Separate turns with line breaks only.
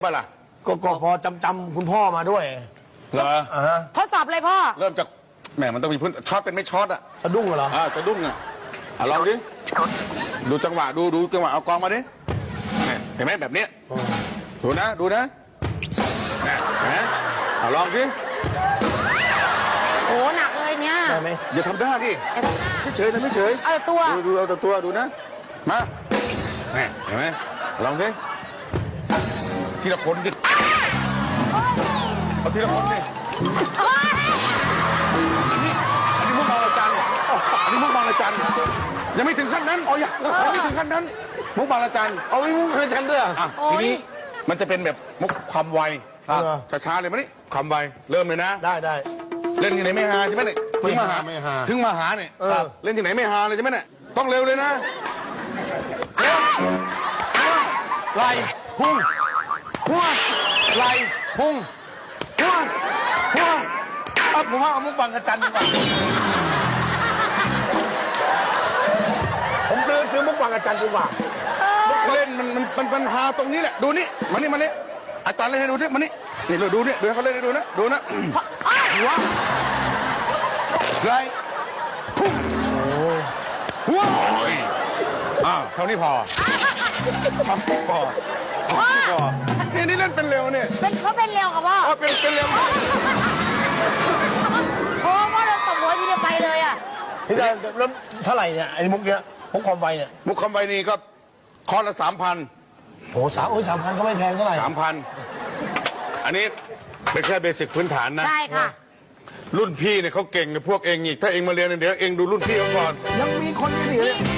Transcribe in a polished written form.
ป่ะล่ะ
ก็พอจำคุณพ่อมาด้วย
เหรอ
ทดสอบเลยพ่อ
เริ่มจากแหมมันต้องมีพื้นช็อตเป็นไม่ช็อตอ่ะ
สะดุ้งเหรอ
สะดุ้งอ่ะลองดิดูจังหวะดูจังหวะเอากองมาดิเห็นไหมแบบนี้ดูนะเห็นไหมลองดิ
โอ้หนักเลยเนี่ย
ได้ไหม
อย่าทำได้ดิไม่เฉยนะไม่เฉย
เอาตัว
ดูเอาตัวดูนะมาเห็นไหมลองดิทีละคนดิเอาทีละคนดิอันนี้มุกบางระจันอันนี้มุกบางระจันยังไม่ถึงขั้นนั้นยังไม่ถึงขั้นนั้นมุกบางระจัน
เอาไว้มุกบางระจันด้วย
ทีนี้มันจะเป็นแบบมุกความไวช้าๆเลยมั้ยนี่ความไวเริ่มเลยนะ
ได้
เล่นที่ไหนไม่ฮาใช่ไหมเนี่ยถึงมาหาเนี่ยเล่นที่ไหนไม่ฮาเลยใช่ไหมเนี่ยต้องเร็วเลยนะไหลพุ่งหัวไหลพุ่งหัว
ผมว่าเอามุกบางระจันดีกว่าผมซื้อมุกบางระจันดีกว่า
เล่นมันปัญหาตรงนี้แหละดูนี่มาเลยอาจารย์เล่นให้ดูดิมานี่เราดูนี่ดูเขาเล่นให้ดูนะหัวไหลพุ่งหัวเท่านี้พอนี่เล่นเป็นเร็วเนี่ย
เขาเป็นเร็วกับพ่อ
เป็นเร็ว
โอ้พ่อโดนตบหัวทีเดียวไปเลยอ่ะ
ที่จะเริ่มเท่าไหร่เนี่ยไอ้มุกเนี้ยมุกความไวเนี่ย
มุกความไวนี่ก็คอร์สละ 3,000
โอ้3,000ก็ไม่แพงเท่าไหร่
3,000อันนี้เป็นแค่เบสิกพื้นฐานนะ
ใช่ค่ะ
รุ่นพี่เนี่ยเขาเก่งกับพวกเองอีกถ้าเองมาเรียนเดี๋ยวเองดูรุ่นพี่เขาก่อน
ยังมีคนที่เหลือ